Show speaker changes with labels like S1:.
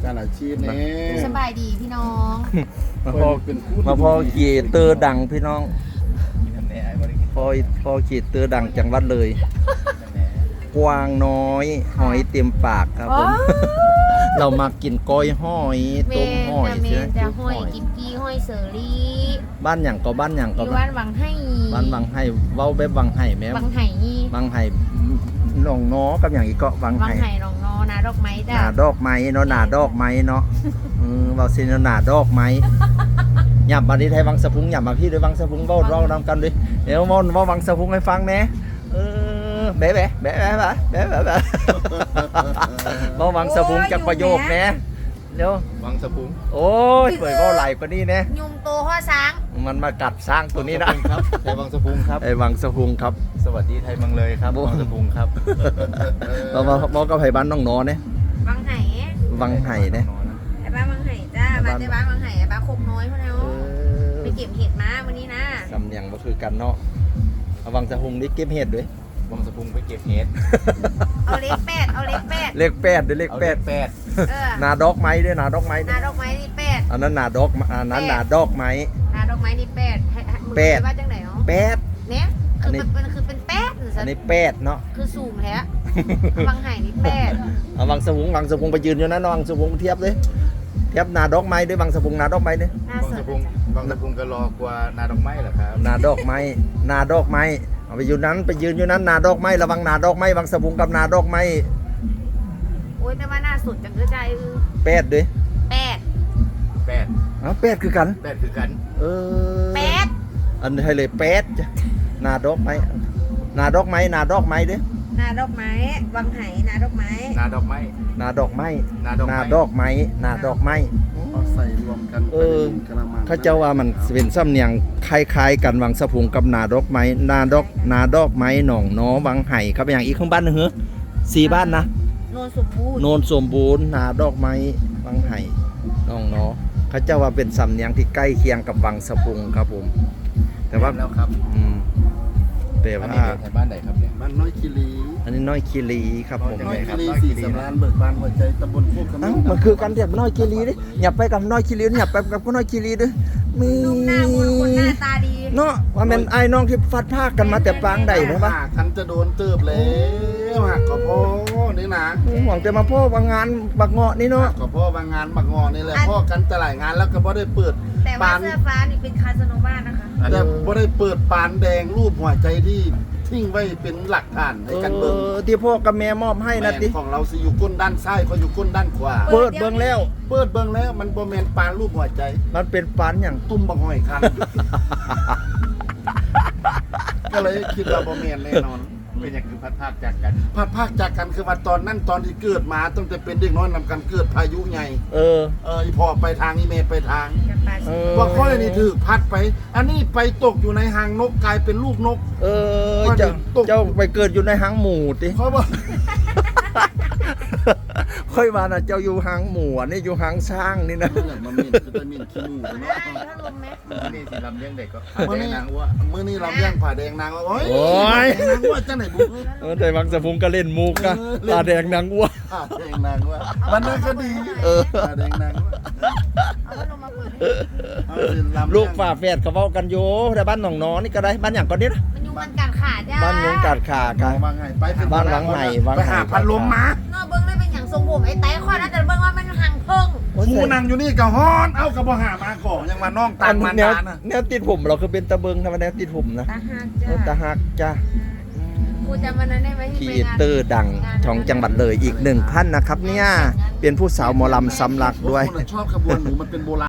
S1: การอาชีพนี่
S2: สบายดีพี่น้อง
S3: มาพอเกียเตอร์ดังพี่น้องพอเกียเตอร์ดังจังหวัดเลย กวางน้อยหอยเต็มปากครับผมเรามากินก้อยหอยต้มหอย
S2: เม
S3: ใช่ไหม
S2: นจะห้อยกิบกี้ห้อยเสรี
S3: บ้านอย่างก็บ้านอย่าง
S2: อ
S3: ก็
S2: ยู่บ้านวังให้
S3: บ้านวังไห้เว้าแบบวังไห้แม่
S2: วังไห่
S3: วังไห้หนองน้อกับอย่างอีกเกาะวัง
S2: วัง
S3: ไห้
S2: ไห่รองนอนาดอกไม้
S3: ห
S2: จ้ะ
S3: นาดอกไม้เนาะหนาดอกไม้เนาะเว้าซิเนาะหนาดอกไม้หยับมาที่ไทยวังสะพุงหยับมาพี่ด้วยวังสะพุงเว้าร้องนำกันดิเดี๋ยวมอนว่าวังสะพุงให้ฟังแหน่แบะแบะแบะแบะแบะแบะแบะแบะมาวังสะพุงจากประโยคแหน่เดี๋ยว
S1: วังสะพุง
S3: โอ้ยเปิดเว้าไหลกว่านี้แหน่
S2: ยุงโตข้อช้าง
S3: มันมากัดสร้างตัวนี้นะครับ
S1: ไทยวังสะพุงครับ
S3: ไอ้วังสะพุงครับ
S1: สวัสดีไทยเมืองเลยครับวังสะพุงครับ
S3: เราบอกกับไผ่บ้านน้องน้อเนี่ย
S2: วังไห่
S3: วังไห่เนี่ย
S2: ไอ้บ้านวังไห่จ้าบ้านเจ้าบ้านวังไห่ไอ้บ้านโคกน้อยพวกเราไปเก็บเห็ดมาวันนี้นะ
S3: สำเนียงก็คือกันเนาะเอาวังสะพุงนี่เก็บเห็ดด้วย
S1: วังสะพุงไปเก็บเห็ด
S2: เอาเล็กแปดเอาเล็กแปด
S3: เลขแปดด้วยเลขแปด
S1: แปด
S3: นาดอกไม้ด้วยนาดอกไม้ด้
S2: นา
S3: วย
S2: ดอกไม้นี่แปด
S3: อันนั้นนาดอกอันนั้นนาดอกไม้
S2: นาดอกไม้นี่แปดมึง
S3: แปด
S2: ว่าจังไหนเนาะ
S3: แปด
S2: เนี่ย
S3: อั
S2: คื
S3: น
S2: อ
S3: นี้
S2: เป็นแปดหรือ
S3: อันนี้แปดเนาะ
S2: คือสูงแท้วังไห่นี่แปด
S3: เอาวังสะพุงไปยืนอยู่นั้นวังสะพุงเทียบเลยเทียบนาดอกไม้ด้วยวังสะพุงนาดอกไม้ด้วย
S2: น่า
S1: วัง
S2: สน
S1: สะ
S2: ใจ
S1: พุงวังสะพุงก็รอกว่านาดอกไม้เหรอครับ
S3: นาดอกไม้นาดอกไม้เอาไปอยู่นั้นไปยืนอยู่นั้นนาดอกไม้ระวังนาดอกไม้วังสะพุงกับนาดอกไม้
S2: โอ้ยแต่ว่าน่าสนจังเลยใจ
S3: แปดด้วย
S2: แปด
S1: แปด
S3: อ๋อแปดคือกัน
S1: แปดคือกัน
S3: เออ
S2: แปด
S3: อันไทยเลยแปดจ้ะนาดอกไม้นาดอกไม้นาดอกไม้ด้วย
S2: นาดอกไม้วังไห่นาดอกไม้
S1: นาดอกไม้
S3: นาดอกไม้
S1: นาดอกไม้
S3: นาดอกไม้นาดอกไม้
S1: เอาใส่รวมกัน
S3: เออเขาเจ้าว่ามันเป็นสำเนียงคล้ายๆกันวังสะพุงกับนาดอกไม้นาดอกไม้หนองน้อวังไห่ครับอย่างอีกข้างบ้านนึงเหรอสี่บ้านนะ
S2: โนนสมบูรณ์
S3: โนนสมบูรณ์นาดอกไม้วังไห่หนองน้อเขาเจ้าว่าเป็นสำเนียงที่ใกล้เคียงกับวังสะพุงครับผมแต่ว่า
S1: แล้วครับ
S3: แต่
S1: อัน
S3: ว่า
S1: นี้ไทยบ้านไหนครับเนี่ย
S4: บ้านน้อยคีรี
S3: อันนี้น้อยคีรีครับผม
S1: น้
S4: น้อย
S1: ครั
S4: คี
S1: บ
S4: รีสี่สำราญเบิกบานหัวใจตำบลโคกกำ
S3: เอ้า
S4: ลัง
S3: มันคือกันเทียบน้อยคีรีดิอย่าไปกับน้อยคีรีอย่าไปกับน้อยคีรีด้วยมี
S2: นุ่มหน้ามนต์คนหน้าตาดี
S3: เนาะว่าเป็นไอ้น้องที่ฟัดภาคกันมาแต่ปางใดใช่ปะ
S4: หากคันจะโดนเติบแล้วหักก็พ่อนี่นะ
S3: หวังจะมาพ่อว่างานบักเงาะนี่เนาะ
S4: หักก็พ่อบางงานบักงอนี่แหละพ่อกันแต่หลายงานแล้วก็บ่ได้เปิด
S2: แต่ว่า
S4: ปาน
S2: เสื้อฟ้านี่เป็นคาสโนวานะคะ
S4: แต่บ่ได้เปิดปานแดงรูปหัวใจที่ทิ้งไว้เป็นหลักฐานในการเบิ่ง
S3: ที่พ่อกับแม่มอบให้นะ
S4: แม่
S3: ติ
S4: นของเราสิอยู่ก้นด้านซ้ายเขาอยู่ก้นด้านขวา
S3: เปิดเบิ่งแล้ว
S4: เปิดเบิ่งแล้วมันบ่แม่นปานรูปหัวใจ
S3: มันเป็นปานอย่าง
S4: ตุ้มบักหอยคัน ก็เลยคิดว่าบ่แม่นแน่นอน
S1: เป็นอย่างคือพัดภาคจากกัน
S4: พัดภาคจากกันคือว่าตอนนั้นตอนที่เกิดมาตั้งแต่เป็นเด็กน้อยนำกันเกิดพายุใหญ่
S3: เออ
S4: อีพ่อไปทางอีเมไปทาง
S2: กับปลา
S3: เอ
S2: สี
S3: อ
S4: ว่าค่อยนี่ถือพัดไป อันนี้ไปตกอยู่ในหางนกกลายเป็นลูกนก
S3: เออเจ้าไปเกิดอยู่ในหางหมูติ
S4: เพราะว่า
S3: ค่อยมาน่ะเจ้าอยู่หางหมูอันนี้อยู่หางช้างนี่นะ
S4: มันมีจะได้มีขี้มูก
S2: ได้
S4: เนาะ
S2: ถ้าลมไหม
S1: นี่สิลำเลี้ยงเด็กก็
S4: มื้อ
S1: แดง
S4: นี้
S1: นางอ้ว
S4: มื้อนี้เราเลี้ยงผ่าแดงนางโอ้ย
S3: โอ้ย
S4: แดงนางว่าจังไหนบุก
S3: แต่บางสะพุงก็เล่นมุกนะตาแดงนางอ้ว
S4: ผ่าแดงนางว่ามันนั่นก็ดีผ่าแดงนางว่า
S2: เอาพัดลมมาเปิดให้
S4: เอาสิลำ
S3: ลูกฝาแฝดเขาเว้ากันอยู่แต่บ้านหนองน้อนี่ก็ได้บ้านอย่างก่อนนี้นะ
S2: มันยุงมันกัดขาจ้า
S3: บ้านยุงกัดขา
S4: กั
S3: กัน น
S4: วางไงไปเป็น
S3: บ้านหลังใหม่วาง
S4: ไปหา
S3: ไห่
S4: พัดลมมา
S2: เนาะเบิ้งได้เป็นอย่างทรงผมไอ้ไต้ข้อนะแต่เบิ้งว่ามันห่างเพิ่ง
S4: หมูนั่งอยู่นี่กับฮ้อนเอากระบอหามาก่อนยังมาน้องตั
S3: อั
S4: ง
S3: น
S4: มา
S3: แนว
S4: ตานะ
S3: แนวติดผมเราคือเป็นตะเบิงทำไมแนวติดผมนะ
S2: ตาหัก
S3: เอ
S2: จ้า
S3: อตะหักจ้า
S2: กูจำวันนั้นได้ไหม
S3: ครี
S2: ที่
S3: เอ
S2: ไปงาน
S3: เตอร์ดังของจังหวัดเลยอีกหนึ่งท่านนะครับเนี่ยเป็นผู้สาวหมอลำสำลักด้วย
S4: คนชอบขบวนหมูมันเป็นโบราณ